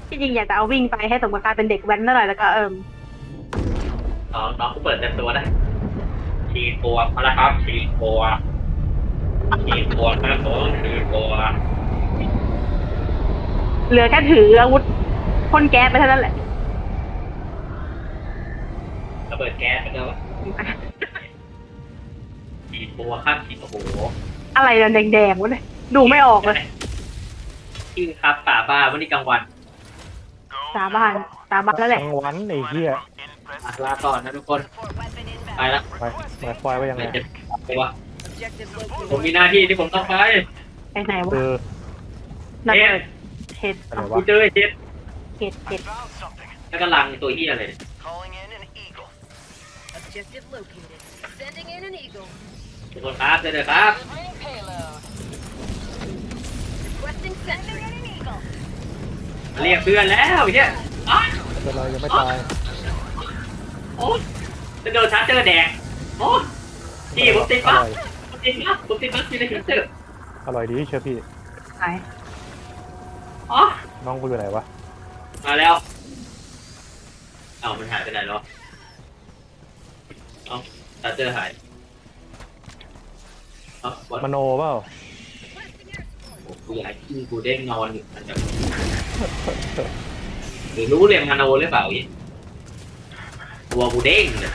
ที่จริงอยากจะเอาวิ่งไปให้สมกับการเป็นเด็กแว้นหน่อยแล้วก็น้องก็เปิดเต็มตัวได้ฉีดตัวพละครับฉีดตัวครับผมฉีดตัวเหลือแค่ถืออาวุธพ่นแก๊สไปเท่านั้นแหละระเบิดแก๊สไปเลยวะฉีดตัวครับฉีดโอ้โหอะไรนะแดงๆวะเนี่ยดูไม่ออกเลยชื่อครับป่าบ้าวันนี้กลางวันสาบานแล้วแหละกลางวันไอ้เหี้ยลาก่อนนะทุกคนไปละไปหมายควายว่ายังไงไม่จะไปวะผมมีหน้าที่ที่ผมต้องไปไปไหนวะคือนักเปิดเห็ดอะไรกูวะเจอไอ้เจ็ดเห็ดเห็ดแล้วก็ลังตัวเหี้ยเลย Objective located. Sending in an eagle. ทุกคนครับเจอเลยครับ Delivering payload. Requesting sentry. Eagle. เรียกเพื่อนแล้วไอ้เหี้ยอ๊ะเป็นไรยังไม่ตายโอ้ยจะโดนชาร์จเจอแดงโอ้ยพี่ผมติดอปั๊บร่อยผมติดปั๊บอยู่ในชาร์จเจออร่อยดีเชื่อพี่หายอ๋อน้องกูอยู่ไหนวะมาแล้วเอามันหายไปไหนแล้วเอาชาร์จเจอหายเอาบอลมโนเปล่ากูอยากให้พี่กูเด้งนอนอยู่มันจะหรือรู้เรียนมโนหรือเปล่าอีกตัวกูเด้งเนี่ย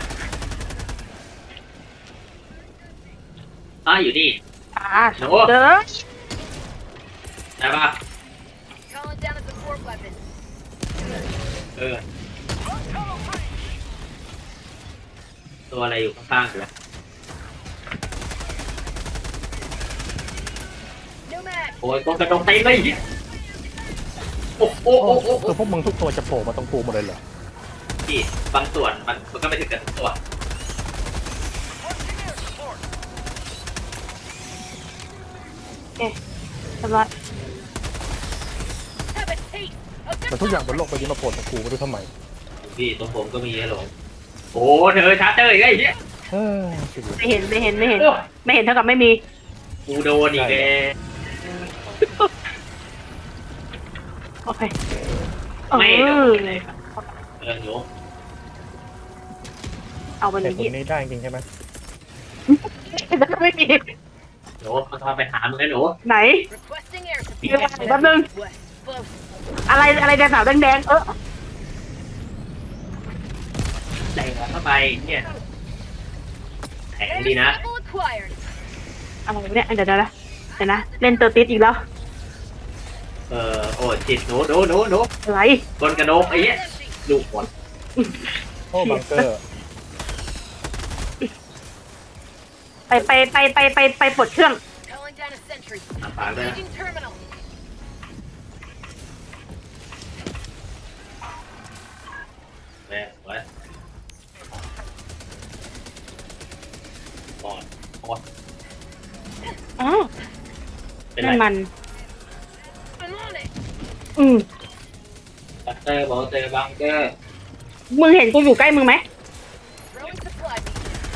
อยู่นี่เจอได้ปะ Calling down a support weapon. เออตัวอะไรอยู่ข้างๆกูวะ No mag. โอ้ยกองกระดงเต็มเลยอีกโอ้โหคือพวกมึงทุกตัวจะโผล่มาตรงกูหมดเลยเหรอพี่บางส่วนมันก็ไม่ถึงกับทุกตัวเอ๊ะเรียบร้อย Have a taste of แต่ทุกอย่างบนโลกใบนี้มาโผล่ตรงกูไม่รู้ทำไมพี่ตรงผมก็มีฮัลโหลโอ้เธอชาร์จเจออีกไอ้เหี้ยเออชีวิตไม่เห็นไม่เห็นโอ้เท่ากับไม่มีกูโดนอีกแล้วโอเคไม่โดเออนเลยครับหนูเอาไปเลแต่ยตรงนี้ได้จริงใช่ไหมแล้วก็ไม่มีหนูมันทำไปหามึงแล้วหนูไหน requesting air เดี๋ยว support. แป๊บนึง West. Close. อะไรแดงสาวแดงใส่หัวเข้าไปเนี่ยแข็งดี Air นะ sample acquired. อะไรวะเนี่ยเดี๋ยวนะเล่นเตอร์ติสอีกแล้วโอ้จิตหนูอะไรบนกระโดงไอ้เหี้ย Empty. ลูกหมดโอ้บังเกอร์ไปปลดเครื่อง Calling down a sentry. ปากเลย Engaging terminal. แม่ไว้ปอดอ๋อเป็นไรนั่นมัน I'm on it. บังเกอร์บอกเจอบังเกอร์มึงเห็นกูอยู่ใกล้มึงไหม Throwing supply beacon.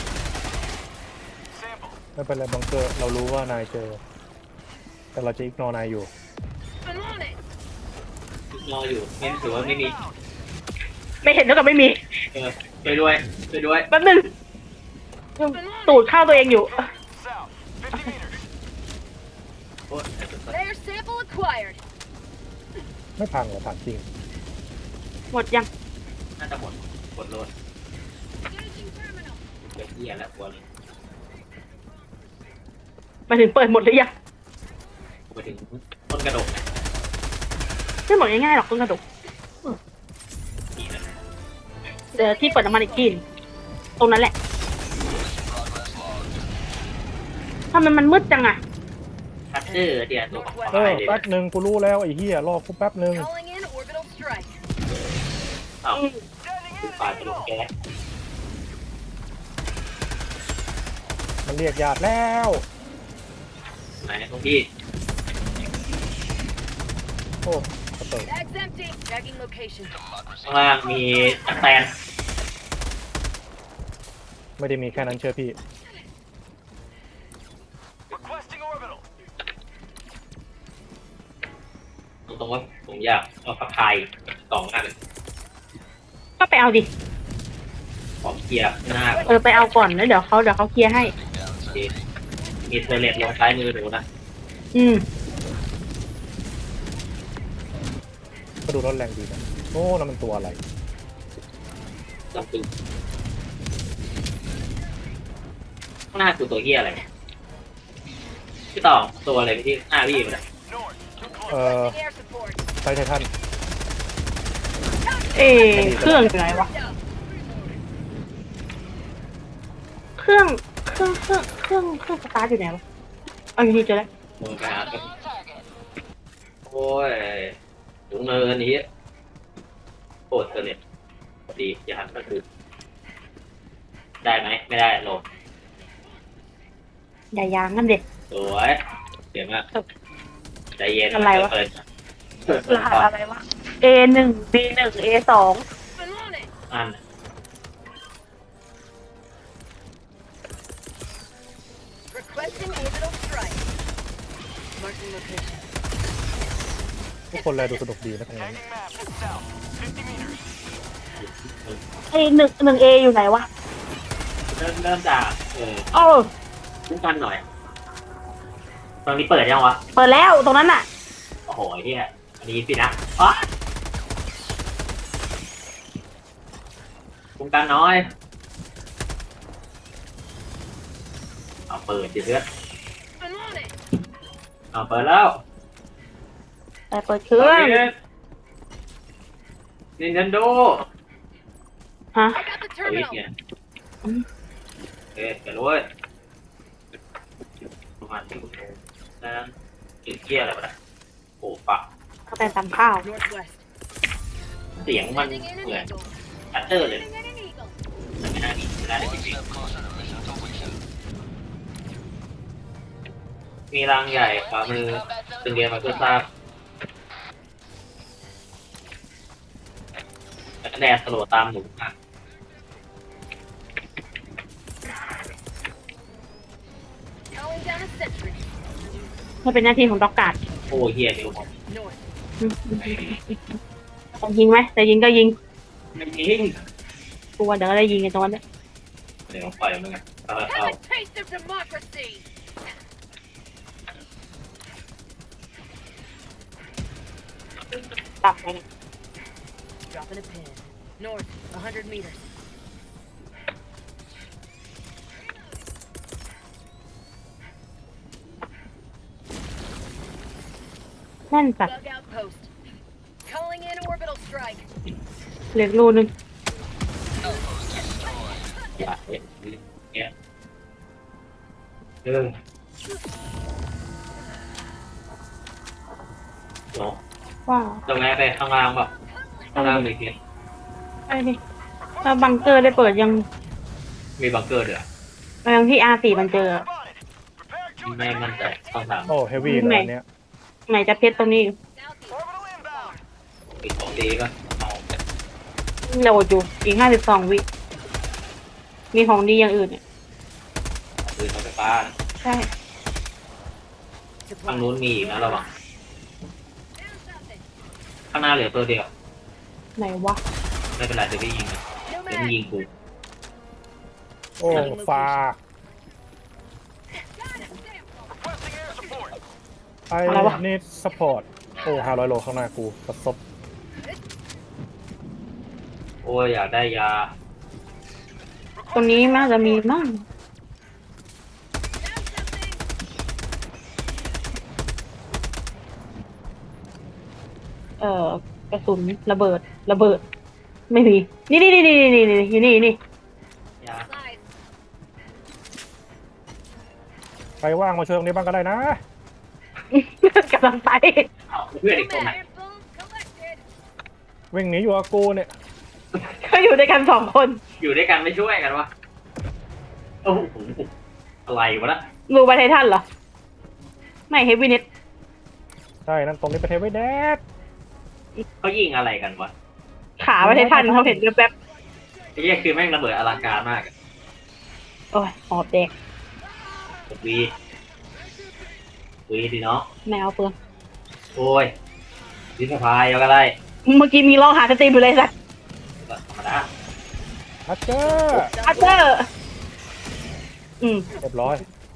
ไม่เป็นไรบังเกอร์เรารู้ว่านายเจอ แต่เราจะอิกนอนายอยู่ I'm on it. รออยู่ไม่ถือว่าไม่มีไม่เห็นเท่ากับไม่มีช่วยด้วยแป๊บนึงตูดเข้าตัวเองอยู่โอ้ย Air sample acquired. ไม่พังเหรอถามจริงหมดยังน่าจะหมดโลด Engaging terminal. เดี๋ยวเหี้ยแล้วกลัวเลยมาถึงเปิดหมดหรือยังกูไปถึงต้นกระดกไม่หมดง่ายๆหรอกต้นกระดกนี่นะเดี๋ยวที่เปิดน้ำมันอีกทีตรงนั้นแหละทำไมมันมืดจังอะคัตเตอร์เดี๋ยวตัวเออแป๊บนึงกูรู้แล้วไอ้เหี้ยรอกูแป๊บนึง Calling in orbital strike. เอ้าคือฝ่ายกระดกแก๊สมันเรียกญาติแล้วไหนตรงพี่โอ้กระเติบ Bag's empty. Tagging location. ข้างล่างมีตะแตนไม่ได้มีแค่นั้นเชื่อพี่ตรงว่าผมอยากเอาผักไทยกล่องหน้าเลยก็ไปเอาดิขอเคลียร์หน้าไปเอาก่อนแล้วเดี๋ยวเขาเคลียร์ให้มีเทเลตลงซ้ายมือหนูนะอืมก็ดูร้อนแรงดีนะโอ้นั่นมันตัวอะไรลองดูข้างหน้าคือตัวเหี้ยอะไรพี่ต่อตัวอะไรที่หน้าพี่มัน Requesting air support. ใช้ไททันเครื่องอยู่ไหนวะ เครื่องสตาร์ทอยู่ไหนวะเอาอยู่นี่เจอแล้วมือไปหาครับโอ้ยถุงเนินนี้โคตรเทเลตดีอย่าหันก็คือได้ไหมไม่ได้ลงอย่ายางนั่นเด็กสวยเดี๋ยวมากใจเย็นอะไรวะเปิดรหัสอะไรวะ A1 B1 A2 Been on it. อัน Requesting orbital strike. Marking location. ทุกคนเลยดูสนุกดีนะตรงนี้ 1A อยู่ไหนวะเริ่มจากโอ้คุ้มกันหน่อยตอนนี้เปิดยังวะเปิดแล้วตรงนั้นน่ะโอ้โหเฮียอันนี้สินะอ๋อคุ้มกันน้อยเอาเปิดดิเพื่อน Been on it. เอาเปิดแล้วแต่เปิดเครื่อง Nintendo ฮะ I got the เอาอีก terminal. เนี่ยเอ๊ะเดี๋ยวด้วยประมาณที่คุณโทรนั่นกินเกียร์อะไรวะเนี่ยโอ้ปะเขาแต่ตำข้าว Northwest. เสียงมัน Sending in เหมือน an eagle. ชัตเตอร์เลย Sending in an eagle. แต่ไม่น่ามีไม่น่าได้จริงๆมีรังใหญ่ขวามือตึงเรียนมาเพื่อทราบแล้วก็แดดสโลว์ตามหนูอ่ะ Calling down a sentry. มันเป็นหน้าที่ของด็อกการ์ดโอ้เฮียเดี๋ยวผม North. จะยิงไหมแต่ยิงก็ยิงไม่ยิงกลัวเดี๋ยวก็ได้ยิงกันตรงนั้นเนี่ยเดี๋ยวปล่อยมันไงเอาเอา Have a taste of democracy. ตับไป Dropping a pin. North, 100 meters. นั่นสัตว์ Bug outpost. Calling in orbital strike. เหลือรูนึงอย่าเห็นเนี่ยโน้ว้าวตรงไหนไปข้างล่างแบบข้างล่างมีเพียงไอ้นี่ถ้าบังเกอร์ได้เปิดยังมีบังเกอร์เดือดยังที่ R4 มันเจอไม่มั่นใจต้องถามโอ้เฮฟวี่เลยอันเนี้ยไหนจะเพชรตรงนี้อยู่อีกของดีก็เอาโหลดอยู่อีก52 วิ มีของดีอย่างอื่นเนี่ยปืนไฟฟ้าใช่ทางนู้นมีอีกนะระวังข้างหน้าเหลือตัวเดียวไหนวะไม่เป็นไรเดี๋ยวพี่ยิงนะ No เดี๋ยวมึง mag. ยิงกูโอ้ฟ้าไอ้นี่สปอร์ตโอ้500 โลข้างหน้ากูกระซบโอ้ยอยากได้ยาตรงนี้น่าจะมีมั่งกระสุนระเบิด ไม่มี นี่อยู่นี่ยา Supplies. ใครว่างมาช่วยตรงนี้บ้างก็ได้นะกำลังไปเอาเพื่อนอีกตรงไหน Airboom collected. วิ่งหนีอยู่กับกูเนี่ยก็อยู่ด้วยกัน2 คนอยู่ด้วยกันไม่ช่วยกันวะโอ้โหอะไรวะนะรูไปไททันเหรอ ไม่เฮฟวี่เน็ตใช่นั่นตรงนี้เป็นเทวเดสเขายิงอะไรกันวะขาไปไททันเขาเห็นแป๊บไอ้เหี้ยคือแม่งระเบิดอลังการมากอะๆโอ้ยหอบแดกวีดีเนาะแมวเปลืองโอ้ยดิสพายก็ได้เมื่อกี้มีร้องหาสตรีมอยู่เลยสัตว์ธรรมดาฮัตเจอร์อัตเตอร์อืมเรียบร้อย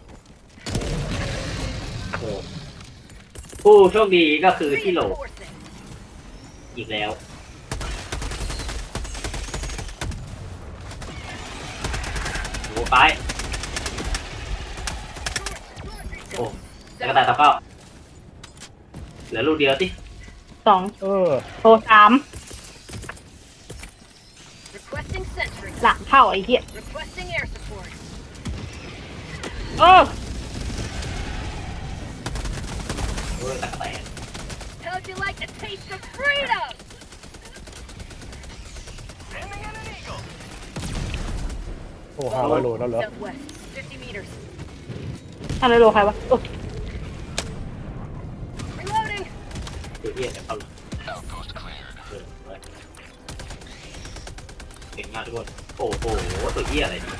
โอ้ผู้โชคดีก็คือที่โหล Reinforcing. อีกแล้วโอ้ไปโอ้แล้วก็ตายตะเป้าเหลือลูกเดียวสิ 2 โทร Requesting sentry. 3 หลังเข้าไอ้เหี้ย Requesting air support. เออโอ้ยตะกะแตน How'd you like the taste of freedom? โอ้500 โลแล้วเหรอ Southwest, 50 meters. อะไรโลใครวะโอ้ Reloading. ตัวเหี้ยจะเข้าเลยเก่งมากทุกคนโอ้โหตัวเหี้ยอะไรเนี่ย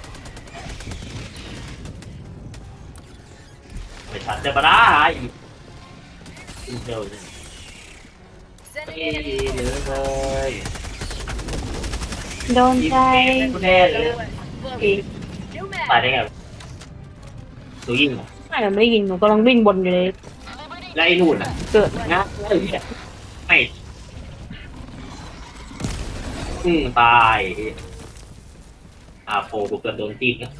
ไม่ทันจะมาได้อีกเร็วเลย Sending นี่ in an เหลื eagle. อเลยโดนใจกูแน่เลย Southwest, อี floating. New ตาย mag. ได้ไงหนูยิงเหรอไม่ไม่ได้ยินหนูกำลังวิ่งบนอยู่เลยแล้วไอ้นู่นอ่ะเกิดงับไอ้เหี้ยไม่ตายโฟกูเกิดโดนตีนก็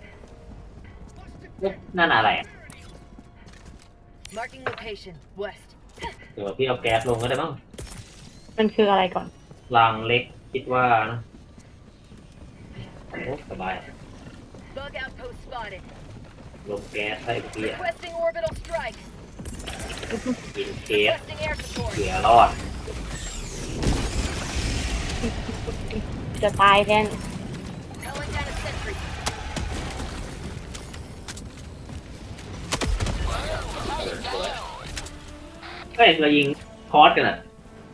นั่นอะไรอ่ะ Marking location. West. เดี๋ยวพี่เอาแก๊สลงก็ได้มั้งมันคืออะไรก่อนรางเล็กคิดว่านะโอ้สบาย Bug outpost spotted. ลงแก๊สให้พี่อ่ะ Requesting orbital strike. กินเคส Requesting air support. เหลือรอดจะตายแทน Calling down a sentry. เฮ้ยเรายิงคอร์สกันอ่ะ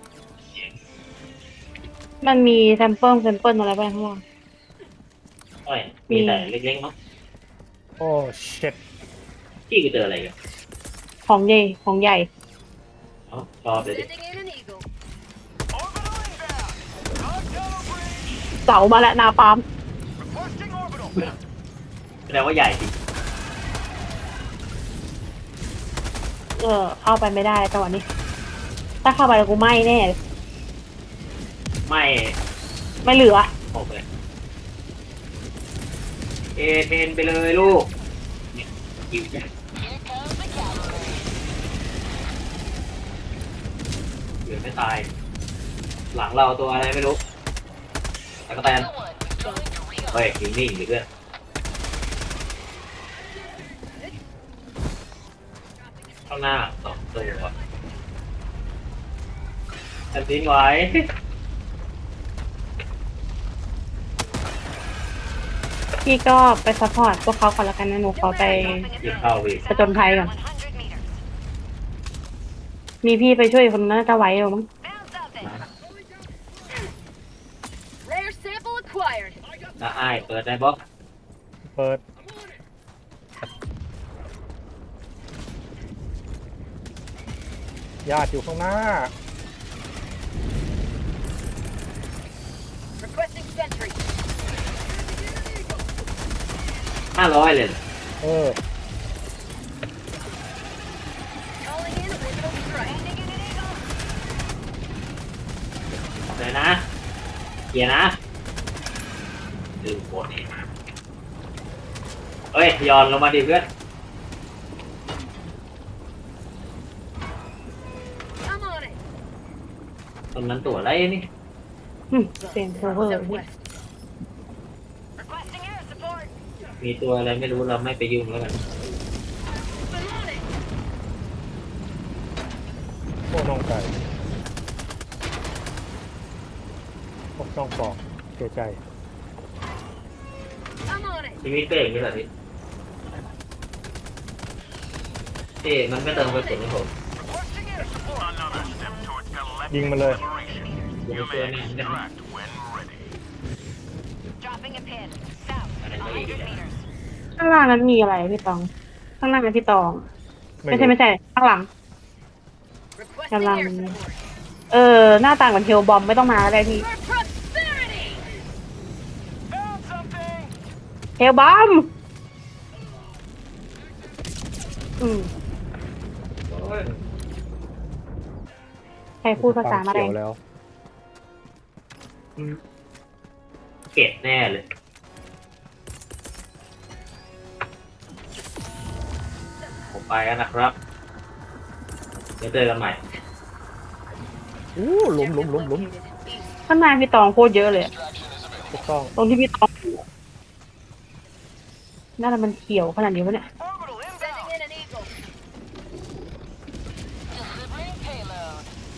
มันมีแซมเปิลอะไรบ้างข้างล่างเฮ้ยมีแต่เล็กๆมั้งโอ้เช็ดพี่กูเจออะไรกันของใหญ่ของใหญ่ชอบเลยดิ Sending in an eagle. เสามาแล้วนาฟาร์มแสดงว่าใหญ่จริงเข้าไปไม่ได้จังหวะนี้ ถ้าเข้าไปแล้วกูไหม้แน่เลยไม่ไม่เหลือออกเลยเทนไปเลยลูกเนี่ยยิวใหญ่เหลือไม่ตาย หลังเราตัวอะไรไม่รู้ตะกะแตนเฮ้ยนิ่งๆดิเพื่อนข้างหน้า2 ตัวแผ่นดินไหวพี่ก็ไปซัพพอร์ตพวกเขาก่อนแล้วกันนะหนูขอไปยิงเข้าอีกผจญภัยก่อน มีพี่ไปช่วยคนนั้นน่าจะไหวหรือมั้ง Rare sample acquired. นะอ้ายเปิดได้บล็อกเปิดญาติอยู่ข้างหน้า Requesting sentry. 500เลยเออ Calling in orbital strike. เลยนะเกียร์นะลืมกดเองเอ้ยย้อนลงมาดิเพื่อน I'm on it. ตรงนั้นตัวอะไรนี่เสียงเซิร์ฟเวอร์พี่ Southwest. Requesting air support. มีตัวอะไรไม่รู้เราไม่ไปยุ่งแล้วกัน I'm on it. โอ้น้องไก่โอ้น้องปอกเสียใจ I'm on it. ชีวิตก็อย่างนี้แหละพี่เอ๊ะมันไม่เติมกระสุนให้ผมยิงมันเลยยิงเพื่อนแม่งได้ Dropping a pin. South. อะไรก็อีกแล้วข้างล่างนั้นมีอะไรพี่ตอง ข้างล่างนั้นพี่ตอง ไม่ใช่ ข้างหลัง Requesting กำลัง Requesting air support. หน้าต่างเหมือนเฮลบอมไม่ต้องมาก็ได้พี่ For prosperity. เฮลบอมใครพูดภาษาอะไรเขียวแล้วเก็บแน่เลยผมไปแล้วนะครับเดี๋ยวเจอกันใหม่อู้หลุมข้างในพี่ตองโคตรเยอะเลยอะถูกต้องตรงที่พี่ตองอยู่อะน่าจะมันเขียวขนาดนี้วะเนี่ย Sending in an eagle. Delivering payload.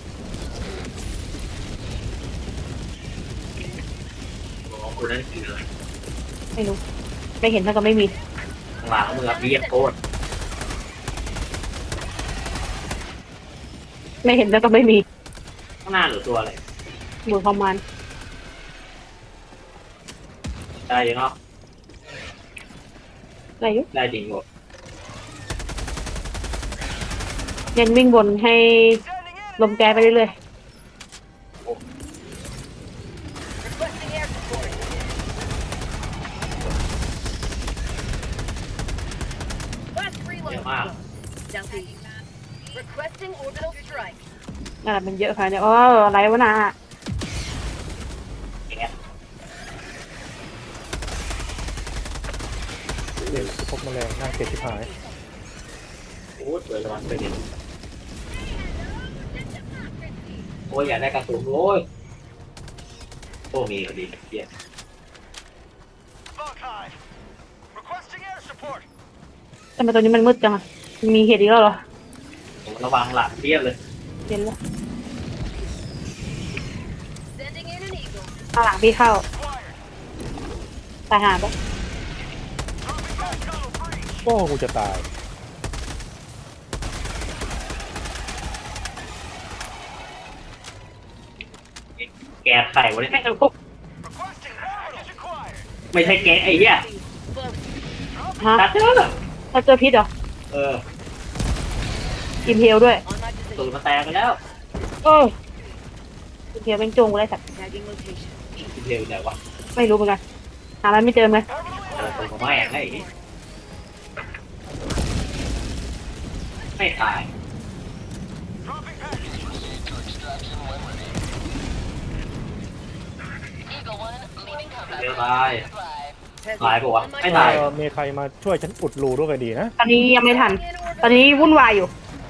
ของคุณนั่นคืออะไรไม่รู้ ไม่เห็นถ้าก็ไม่มีข้างหลังมือเบียโคตรไม่เห็นแล้วก็ไม่มีข้างหน้าหรือตัวอะไรหมุนประมาณได้ยังเนาะอะไรอยู่ได้จริงหมดเน้นวิ่งบนให้ลมแกไปเรื่อย Requesting air support. Last เยอะ reload. มาก Southeast. Requesting orbital strike. ๆนั่นแหละมันเยอะค่ะเนี่ยอะไรวะน่ะแก๊สเด็กพบแมลงน่าเกลียดชิบหายโอ้ยสวยระวังเลยดิโอ้ยอยากได้กระสุนโอ้ยโอ้มีพอดีเกียร์ทำไมตัวนี้มันมืดจังอะมีเหตุอีกแล้วเหรอผมระวังหลังเทียบเลยเห็นแล้ว Sending in an eagle. ข้างหลังพี่เข้าตายหาปะโอ้กูจะตายแก๊สไข่วะเนี่ยไม่รู้ไม่ใช่แก๊สไอ้เหี้ย Close. ฮะตัดเจอถ้าเจอพิษเหรอเอออิมเพลด้วย On my ตูด position. มาแตกไปแล้วอิมเพลเป็นจงกูได้สัตว์ Tagging location. ทีเดียวไหนวะไม่รู้เหมือนกันหามันไม่เจอไหมตูดของแม่งไอ้ไม่ตาย Eagle 1 leaving เดี๋ยว combat. ตาย Heavy. ตายปะวะ On my ไม่ตายมีใครมาช่วยฉันอุดรูด้วยก็ดีนะตอนนี้ยังไม่ทัน ตอนนี้วุ่นวายอยู่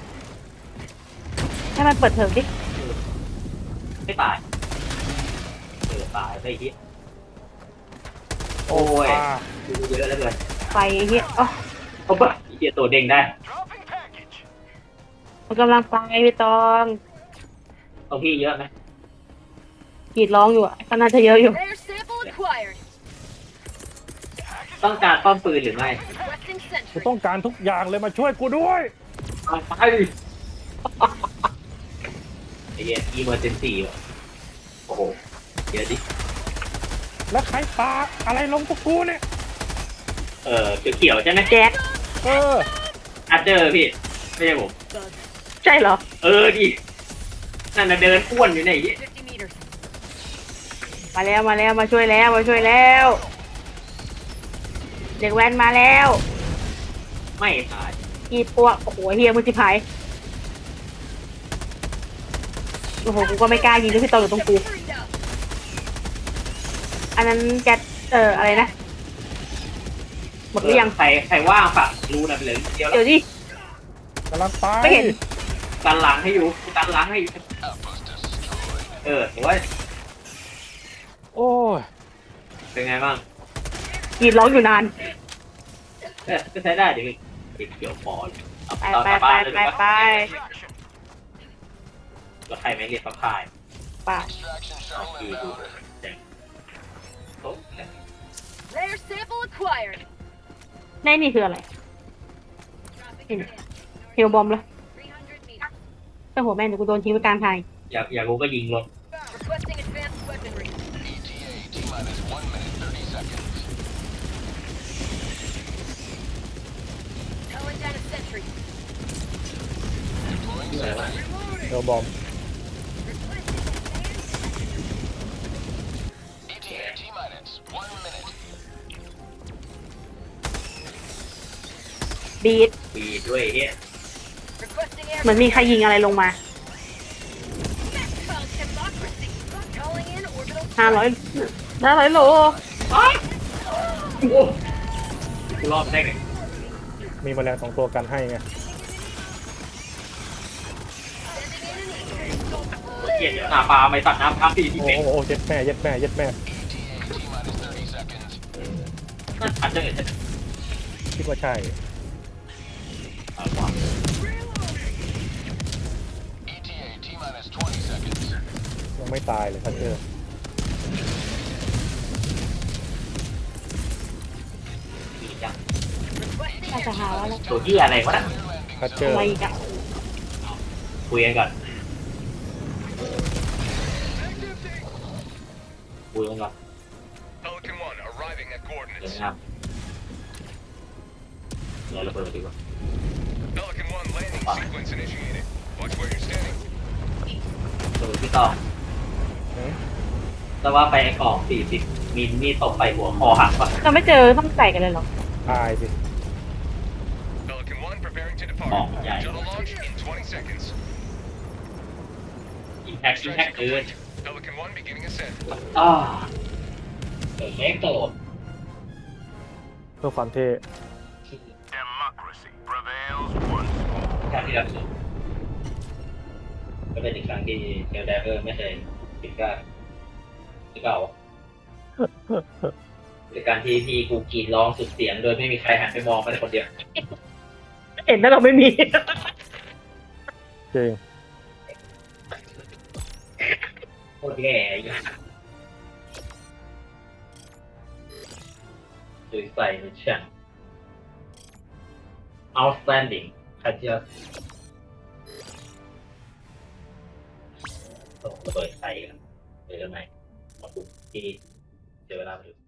ให้มันเปิดเทอมดิไม่ตายตายไปทีโอ้ยอ่าดูเยอะแล้วเลยไฟเฮียอ๋อเขาปะเหี้ยตัวเด้งได้มันกำลังไปพี่ตองตรงพี่เยอะไหมกรีดร้องอยู่อ่ะก็น่าจะเยอะอยู่ Rare sample acquired. ต้องการป้อมปืนหรือไม่ Requesting กู sentry. ต้องการทุกอย่างเลยมาช่วยกูด้วยเอาไปไอ้เหี้ยอีเมอร์เจนซี่ว่ะโอ้โหเดี๋ยวดิแล้วใครปาอะไรลงพวกกูเนี่ยเขียวๆใช่ไหมแจ็คเอออัดเจอร์พี่ไม่ใช่ผม Bug. ใช่เหรอดินั่นน่ะเดินอ้วนอยู่ไหนย 50 meters. มาแล้วมาแล้วมาช่วยแล้วมาช่วยแล้ว เด็กแว้นมาแล้วไม่ตายกีดปวกโอ้โหเฮียมือสิพายโอ้โหกูก็ไม่กล้ายิงด้วยพี่ตองอยู่ตรงกู Freed up. อันนั้นแจ็คอะไรนะหมดหรือยังใครว่างฝากรูนะไปเลยเดียวแล้เดี๋ยว วดิกำลังไปไม่เห็นกันหลังให้อยู่กันหลังให้อยู่โอ้ยโอ้ยเป็นไงบ้างกรีดร้องอยู่นานก็ใช้ได้ดิติดเขียวพอเลยเอาไปต่อไปกลับไปบ้านเลยไปดีกว่าไปแล้วใครไม่เรียกปลาพายไปดีดูเจ๋งโต๊ะ Rare sample acquired. ในนี่คืออะไรเฮลบอมเหรอ 300 meters. เจ้าหัวแม่งเดี๋ยวกูโดนทิ้งไว้กลางทางอยากรู้ก็ยิงรถ Requesting advanced weaponry. Calling down a sentry. อะไรวะเอลบอมบีดปีด้วยเฮีย Requesting เหมือนมีใครยิงอะไรลงมา called democracy. Calling in orbital 500โลกูรอดได้ไงมีแมลง2 ตัวกันให้ไงเกียดหน้าปลาไม่ตัดน้ำครับพี่ที่โอ้เป็นโหเย็ดแม่เย็ดแม่เย็ดแม่นั่นอันเดอร์คิดว่าใช่ ยังไม่ตายเลยทัชเชอร์ดีจังอาจจะหาว่าอะไรตัวที่อะไรวะนะทัชเชอร์อะไรอีกอะคุยกันก่อนคุยกันก่อน Pelican 1 arriving at เดี๋ยว coordinates. นะครับเดี๋ยวระเบิดดีกว่า Pelican 1 landing sequence initiated. Watch where you're standing. ตัวพี่ต่อแต่ว่าไปไอ้กล่อง40 มิลนี่ตกไปหัวคอหักปะเราไม่เจอต้องใส่กันเลยเหรอตายสิ Pelican 1 preparing to อ๋อ depart. ใหญ่ Shuttle launch in 20 seconds. อิมแพคเกิน Pelican 1 beginning ascent. อ่าเกิดเล็กโตเพื่อความเท่ Democracy prevails once ครั้งที่รับสุดก็เป็นอีกครั้งที่เดลไดเวอร์ไม่เคยปิดกล้าหรือเปล่าหรือการที่พี่กูกรีดร้องสุดเสียงโดยไม่มีใครหันไปมองไปคนเดียวเห็นแล้วเราไม่มีจริงโคตรแย่สวยใสนะช่าง outstanding คัดเจอส่งระเบิดใส่กันเดี๋ยวทำไมมาปลุกที่เจอเวลาไปดู